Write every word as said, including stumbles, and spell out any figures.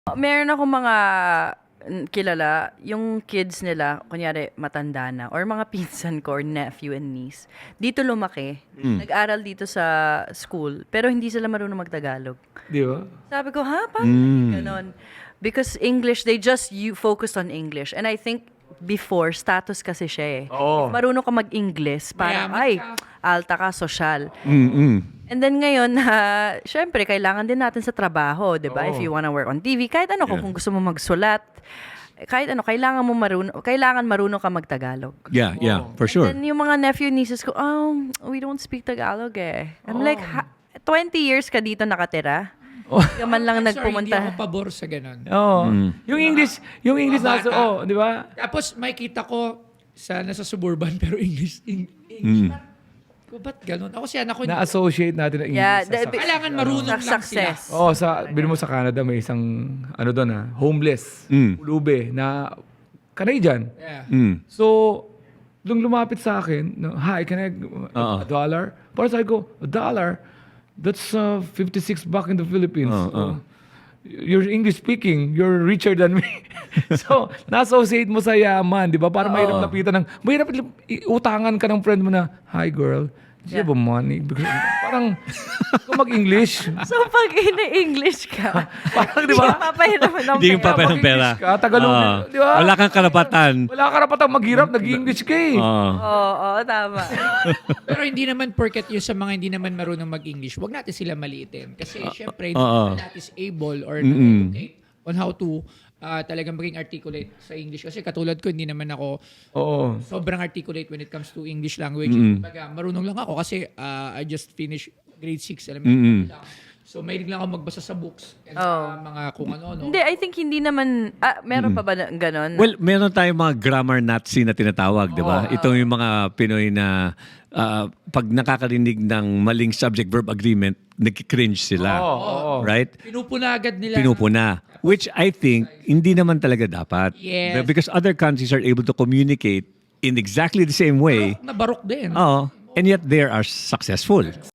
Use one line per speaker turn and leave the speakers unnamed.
Meron akong mga mm, kilala, yung kids nila, kunyari matanda na, or mga pinsan ko, or nephew and niece, dito lumaki, nag-aral dito sa school, pero hindi sila marunong magtagalog.
Di ba?
Sabi ko, ha? Paano ganon? Because English, they just you focused on English. And I think before, status kasi siya eh.
Oo.
If marunong ka mag-English, parang,
Mayaman
ay,
ka.
alta ka, social.
Mm-mm.
And then ngayon, na syempre, kailangan din natin sa trabaho, di ba?
Oo.
If you wanna work on T V, kahit ano,
Yeah.
kung gusto mo magsulat, kahit ano, kailangan mo marunong, kailangan marunong ka magtagalog.
Yeah, yeah, for sure.
And then yung mga nephew, nieces ko, oh, we don't speak Tagalog eh. I'm
Oh.
like, ha- twenty years ka dito nakatira? Hindi ka man lang
Sorry,
nagpumunta.
hindi ako pabor sa ganun.
Oo. Yung English, yung English
Mga
nasa,
bata.
oh, di ba?
Tapos may kita ko sa nasa suburban pero English. Eng- English.
Mm.
Ko ba't ganun? Ako si anak ko.
Na-associate natin ang English.
Yeah,
sa
the-
success.
Kailangan marunong
Sa
lang sila.
success.
Oh, sa bilhin mo sa Canada may isang ano doon ah, homeless,
Mm.
ulube na Canadian.
Yeah.
Mm.
So, nung lumapit sa akin, no, hi, can I
Oo.
a dollar? Para sabi ko, a dollar? That's uh, fifty-six bucks in the Philippines.
Oo,
So,
oo.
you're English speaking, you're richer than me. So, na-associate mo sa yaman, di ba? Para mahirap lapitan ng, mahirap i- utangan ka ng friend mo na, hi girl, do you have a money? Because, parang, kung mag-English,
So, pag ini-English ka,
parang, di ba?
papahirapan ng
Hindi yung
pera.
papel ng pera.
Mag-English ka, Tagalog,
Ah.
di ba?
Wala kang karapatan.
Wala ka rapatang maghirap, nag-English ka eh.
Ah.
Oo, oo, tama.
Pero hindi naman porket yung sa mga hindi naman marunong mag-English, wag natin sila maliitin. Kasi syempre, hindi
oo.
naman natin is able or
Mm-mm.
educate on how to ah, talagang maging articulate sa English. Kasi katulad ko, hindi naman ako
Oo.
sobrang articulate when it comes to English language.
Mm-mm.
Kumbaga, marunong lang ako kasi ah, I just finished grade six
Mm-mm.
elementary lang. So, mahilig lang ako magbasa sa books and
Oh.
sa mga kung ano-ano.
Hindi, I think hindi naman, ah, meron pa ba na, ganon?
Well, meron tayong mga grammar Nazi na tinatawag, di ba? Ito yung mga Pinoy na ah, pag nakakarinig ng maling subject-verb agreement, nag-cringe sila.
Oo, oo.
Right?
Pinupuna agad nila.
Pinupuna. Which I think, hindi naman talaga dapat.
Yes.
Because other countries are able to communicate in exactly the same way.
Na barok din.
Oo. And yet they are successful.